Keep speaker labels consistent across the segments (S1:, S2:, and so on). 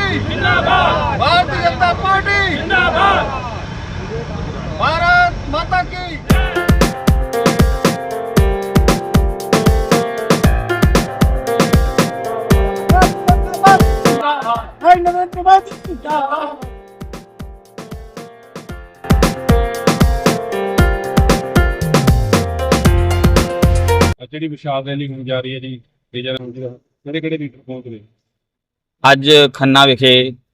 S1: जिंदाबाद, भारतीय जनता पार्टी जिंदाबाद, भारत माता की। नरेंद्र मोदी जिंदाबाद।
S2: ਜਿਹੜੀ ਵਿਸ਼ਾਲ ਰੈਲੀ ਹੋਣ ਜਾ ਰਹੀ ਹੈ ਜੀ ਕਿਹੜੇ ਲੀਡਰ ਪਹੁੰਚ ਰਹੇ?
S3: ਅੱਜ ਖੰਨਾ ਵਿਖੇ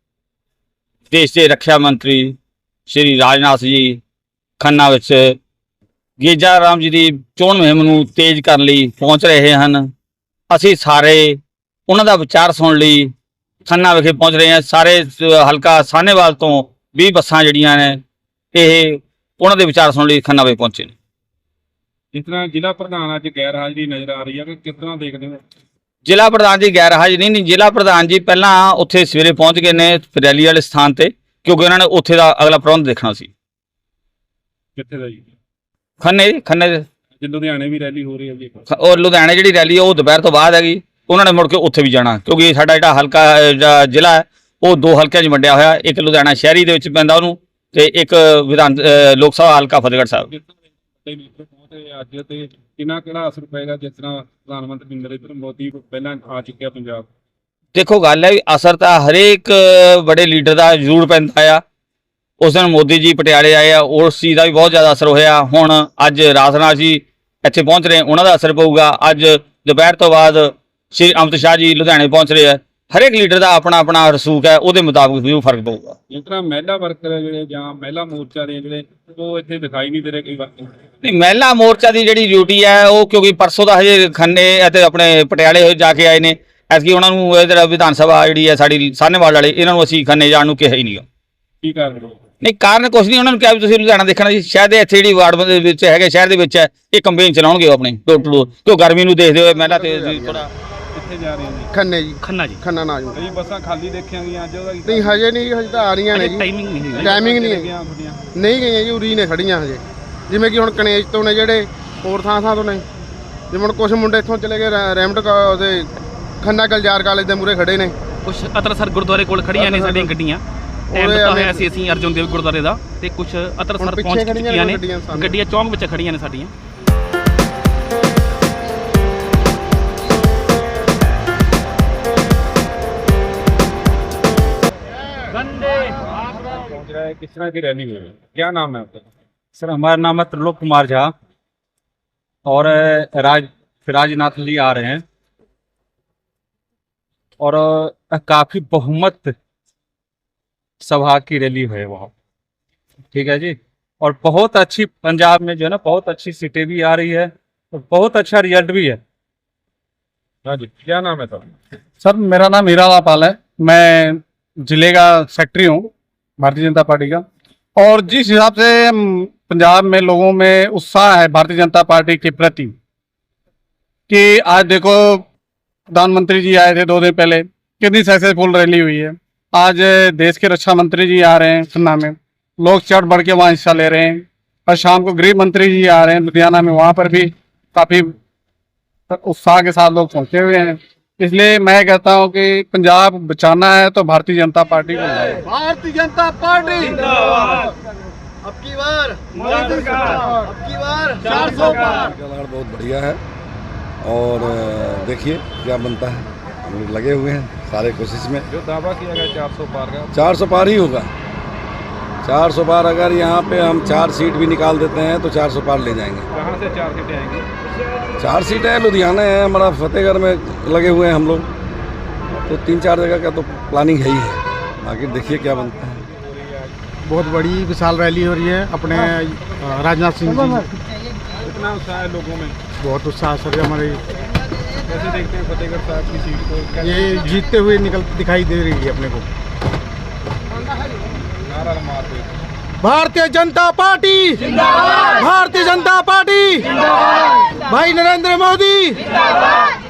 S3: ਦੇਸ਼ ਦੇ ਰੱਖਿਆ ਮੰਤਰੀ ਸ਼੍ਰੀ ਰਾਜਨਾਥ ਜੀ ਖੰਨਾ ਵਿੱਚ ਗੇਜਾ ਰਾਮ ਜੀ ਦੀ ਚੋਣ ਮੁਹਿੰਮ ਨੂੰ ਤੇਜ਼ ਕਰਨ ਲਈ ਪਹੁੰਚ ਰਹੇ ਹਨ। ਅਸੀਂ ਸਾਰੇ ਉਹਨਾਂ ਦਾ ਵਿਚਾਰ ਸੁਣਨ ਲਈ ਖੰਨਾ ਵਿਖੇ ਪਹੁੰਚ ਰਹੇ ਹਾਂ। ਸਾਰੇ ਹਲਕਾ ਸਾਹਨੇਵਾਲ ਤੋਂ 20 ਬੱਸਾਂ ਜਿਹੜੀਆਂ ਨੇ ਇਹ ਉਹਨਾਂ ਦੇ ਵਿਚਾਰ ਸੁਣਨ ਲਈ ਖੰਨਾ ਵਿਖੇ ਪਹੁੰਚੇ ਨੇ।
S2: ਜਿਸ ਤਰ੍ਹਾਂ ਜ਼ਿਲ੍ਹਾ ਪ੍ਰਧਾਨ ਅੱਜ ਗੈਰ ਹਾਜ਼ਰੀ ਨਜ਼ਰ ਆ ਰਹੀ ਹੈ ਕਿ ਕਿਸ ਤਰ੍ਹਾਂ ਦੇਖਦੇ ਹੋ?
S3: ਜ਼ਿਲ੍ਹਾ ਪ੍ਰਧਾਨ ਜੀ ਗੈਰ ਹਾਜ਼ਰੀ ਨਹੀਂ, ਜ਼ਿਲ੍ਹਾ ਪ੍ਰਧਾਨ ਜੀ ਪਹਿਲਾਂ ਉੱਥੇ ਸਵੇਰੇ ਪਹੁੰਚ ਗਏ ਨੇ ਰੈਲੀ ਵਾਲੇ ਸਥਾਨ ਤੇ, ਕਿਉਂਕਿ ਉਹਨਾਂ ਨੇ ਉੱਥੇ ਦਾ ਅਗਲਾ ਪ੍ਰਬੰਧ ਦੇਖਣਾ ਸੀ।
S2: ਕਿੱਥੇ ਦਾ ਜੀ?
S3: ਖੰਨੇ
S2: ਲੁਧਿਆਣੇ ਵੀ ਰੈਲੀ ਹੋ ਰਹੀ ਹੈ ਜੀ।
S3: ਔਰ ਲੁਧਿਆਣੇ ਜਿਹੜੀ ਰੈਲੀ ਉਹ ਦੁਪਹਿਰ ਤੋਂ ਬਾਅਦ ਹੈਗੀ, ਉਹਨਾਂ ਨੇ ਮੁੜ ਕੇ ਉੱਥੇ ਵੀ ਜਾਣਾ, ਕਿਉਂਕਿ ਸਾਡਾ ਜਿਹੜਾ ਹਲਕਾ ਜ਼ਿਲ੍ਹਾ ਹੈ ਉਹ 2 ਹਲਕਿਆਂ 'ਚ ਵੰਡਿਆ ਹੋਇਆ, ਇੱਕ ਲੁਧਿਆਣਾ ਸ਼ਹਿਰੀ ਦੇ ਵਿੱਚ ਪੈਂਦਾ ਉਹਨੂੰ, ਤੇ ਇੱਕ ਲੋਕ ਸਭਾ ਹਲਕਾ ਫਤਿਹਗੜ੍ਹ ਸਾਹਿਬ।
S2: ਅੱਜ ਤੇ ਕਿਹੜਾ ਅਸਰ ਪਏਗਾ ਜਿਸ ਤਰ੍ਹਾਂ ਪ੍ਰਧਾਨ ਮੰਤਰੀ ਨਰਿੰਦਰ ਮੋਦੀ ਪਹਿਲਾਂ ਆ ਚੁੱਕਿਆ ਪੰਜਾਬ?
S3: ਦੇਖੋ ਗੱਲ ਹੈ ਵੀ ਅਸਰ ਤਾਂ ਹਰੇਕ ਬੜੇ ਲੀਡਰ ਦਾ ਜ਼ਰੂਰ ਪੈਂਦਾ ਆ। ਉਸ ਦਿਨ ਮੋਦੀ ਜੀ ਪਟਿਆਲੇ ਆਏ ਆ, ਉਸ ਚੀਜ਼ ਦਾ ਵੀ ਬਹੁਤ ਜ਼ਿਆਦਾ ਅਸਰ ਹੋਇਆ। ਹੁਣ ਅੱਜ ਰਾਜਨਾਥ ਜੀ ਇੱਥੇ ਪਹੁੰਚ ਰਹੇ, ਉਹਨਾਂ ਦਾ ਅਸਰ ਪਊਗਾ। ਅੱਜ ਦੁਪਹਿਰ ਤੋਂ ਬਾਅਦ ਸ਼੍ਰੀ ਅਮਿਤ ਸ਼ਾਹ ਜੀ ਲੁਧਿਆਣੇ ਪਹੁੰਚ ਰਹੇ ਆ। ਹਰੇਕ ਲੀਡਰ ਦਾ ਆਪਣਾ ਆਪਣਾ ਰਸੂਖ ਹੈ, ਉਹਦੇ ਮੁਤਾਬਕ ਵੀ ਫਰਕ ਪਊਗਾ।
S2: ਜਿਸ ਤਰ੍ਹਾਂ ਮਹਿਲਾ ਵਰਕਰ ਜਿਹੜੇ ਜਾਂ ਮਹਿਲਾ ਮੋਰਚਾ ਦੇ ਜਿਹੜੇ ਉਹ ਇੱਥੇ ਦਿਖਾਈ ਨਹੀਂ ਦੇ ਰਹੇ ਕਈ ਵਾਰ।
S3: ਨਹੀਂ, ਮਹਿਲਾ ਮੋਰਚਾ ਦੀ ਜਿਹੜੀ ਡਿਊਟੀ ਹੈ ਉਹ ਕਿਉਂਕਿ ਪਰਸੋਂ ਦਾ ਹਜੇ ਖੰਨੇ ਅਤੇ ਆਪਣੇ ਪਟਿਆਲੇ ਜਾ ਕੇ ਆਏ ਨੇ, ਐਤਕੀ ਉਹਨਾਂ ਨੂੰ ਜਿਹੜਾ ਵਿਧਾਨ ਸਭਾ ਜਿਹੜੀ ਹੈ ਸਾਡੀ ਸਾਹਨੇਵਾਲ ਵਾਲੇ, ਇਹਨਾਂ ਨੂੰ ਅਸੀਂ ਖੰਨੇ ਜਾਣ ਨੂੰ ਕਿਹਾ ਹੀ ਨਹੀਂ।
S2: ਕੀ ਕਾਰਨ?
S3: ਨਹੀਂ, ਕਾਰਨ ਕੁਛ ਨਹੀਂ, ਉਹਨਾਂ ਨੂੰ ਕਿਹਾ ਵੀ ਤੁਸੀਂ ਲੁਧਿਆਣਾ ਦੇਖਣਾ ਜੀ। ਸ਼ਾਇਦ ਇੱਥੇ ਜਿਹੜੀ ਵਾਰਡ ਦੇ ਵਿੱਚ ਹੈਗੇ, ਸ਼ਹਿਰ ਦੇ ਵਿੱਚ ਹੈ, ਇਹ ਕੰਪੇਨ ਚਲਾਉਣਗੇ ਆਪਣੇ ਡੋਰ ਟੂ ਡੋਰ, ਕਿਉਂ ਗਰਮੀ ਨੂੰ ਦੇਖਦੇ ਹੋਏ ਮਹਿਲਾ ਤੇ ਥੋੜਾ।
S2: ਕਿੱਥੇ ਜਾ ਰਹੇ ਨੇ?
S1: ਖੰਨੇ ਜੀ।
S4: ਖੰਨਾ
S1: ਨਾ ਜੀ।
S2: ਕਈ ਬੱਸਾਂ ਖਾਲੀ ਦੇਖੀਆਂ ਗਈਆਂ ਅੱਜ ਉਹਦਾ
S1: ਨਹੀਂ ਹਜੇ ਨਹੀਂ, ਹਜੇ ਤਾਂ ਆ ਰਹੀਆਂ ਨੇ ਜੀ।
S4: ਟਾਈਮਿੰਗ ਨਹੀਂ
S1: ਨਹੀਂ ਗਈਆਂ ਜੀ, ਉਰੀ ਨੇ ਖੜੀਆਂ ਹਜੇ। ਜਿਵੇਂ ਕਿ ਹੁਣ ਕਨੇਜ ਤੋਂ ਨੇ ਜਿਹੜੇ, ਹੋਰ ਥਾਂ ਤੋਂ ਨੇ। ਜਿਵੇਂ ਹੁਣ ਕੁਝ ਮੁੰਡੇ ਇੱਥੋਂ ਚਲੇ ਗਏ ਰੈਮਟ ਉਹਦੇ ਖੰਨਾ ਗਲਜਾਰ ਕਾਲਜ ਦੇ ਮੂਹਰੇ ਖੜੇ ਨੇ।
S4: ਕੁਝ ਅਤਰਸਰ ਗੁਰਦੁਆਰੇ ਕੋਲ ਖੜੀਆਂ ਨੇ ਸਾਡੀਆਂ ਗੱਡੀਆਂ। ਟਾਈਮ ਦਿੱਤਾ ਹੋਇਆ ਸੀ ਅਸੀਂ ਅਰਜੁਨ ਦੇਵ ਗੁਰਦੁਆਰੇ ਦਾ, ਤੇ ਕੁਝ ਅਤਰਸਰ ਪਹੁੰਚ ਚੁੱਕੀਆਂ ਨੇ ਗੱਡੀਆਂ, ਚੌਂਕ ਵਿੱਚ ਖੜੀਆਂ ਨੇ ਸਾਡੀਆਂ।
S2: किस तरह की रैली हुई है? क्या नाम है आपका?
S5: सर हमारा नाम है त्रिलोक कुमार झा और राजनाथ जी आ रहे हैं और काफी बहुमत सभा की रैली है वहाँ, ठीक है जी। और बहुत अच्छी पंजाब में जो है ना, बहुत अच्छी सीटें भी आ रही है और बहुत अच्छा रिजल्ट भी है।
S2: हाँ जी, क्या नाम है
S5: सर मेरा नाम हीरालाल पाल है, मैं जिले का सेक्रेटरी हूँ भारतीय जनता पार्टी का। और जिस हिसाब से पंजाब में लोगों में उत्साह है भारतीय जनता पार्टी के प्रति, कि आज देखो प्रधानमंत्री जी आए थे 2 दिन पहले, कितनी सक्सेसफुल रैली हुई है। आज देश के रक्षा मंत्री जी आ रहे हैं खन्ना में, लोग चढ़ बढ़ के वहाँ हिस्सा ले रहे हैं। और शाम को गृह मंत्री जी आ रहे हैं लुधियाना में, वहाँ पर भी काफ़ी उत्साह के साथ लोग पहुँचे हुए हैं। इसलिए मैं कहता हूं कि पंजाब बचाना है तो भारतीय जनता पार्टी को।
S1: भारतीय जनता पार्टी जिंदाबाद। अब की बार मोदी सरकार, अब की बार 400 पार।
S6: बहुत बढ़िया है और देखिए क्या बनता है। हम लोग लगे हुए हैं सारे कोशिश में।
S2: जो दावा किया गया 400 पार का,
S6: 400 पार ही होगा। 400 पार अगर यहाँ पे हम 4 सीट भी निकाल देते हैं तो 400 पार ले जाएंगे।
S2: कहाँ से 4 सीटें आएंगी?
S6: 4 सीटें हैं, लुधियाना है हमारा, फतेहगढ़ में लगे हुए हैं हम लोग, तो 3-4 जगह का तो प्लानिंग है ही है। बाकी देखिए क्या बनता है।
S1: बहुत बड़ी विशाल रैली हो रही है अपने राजनाथ सिंह जी।
S2: कितना उत्साह है लोगों में?
S1: बहुत उत्साह सर हमारे।
S2: कैसे देखते हैं फतेहगढ़ साहब की सीट को?
S1: ये जीतते हुए दिखाई दे रही है अपने को।
S2: नारा मारते
S1: भारतीय जनता पार्टी जिंदाबाद, भारतीय जनता पार्टी जिंदाबाद, भाई नरेंद्र मोदी जिंदाबाद।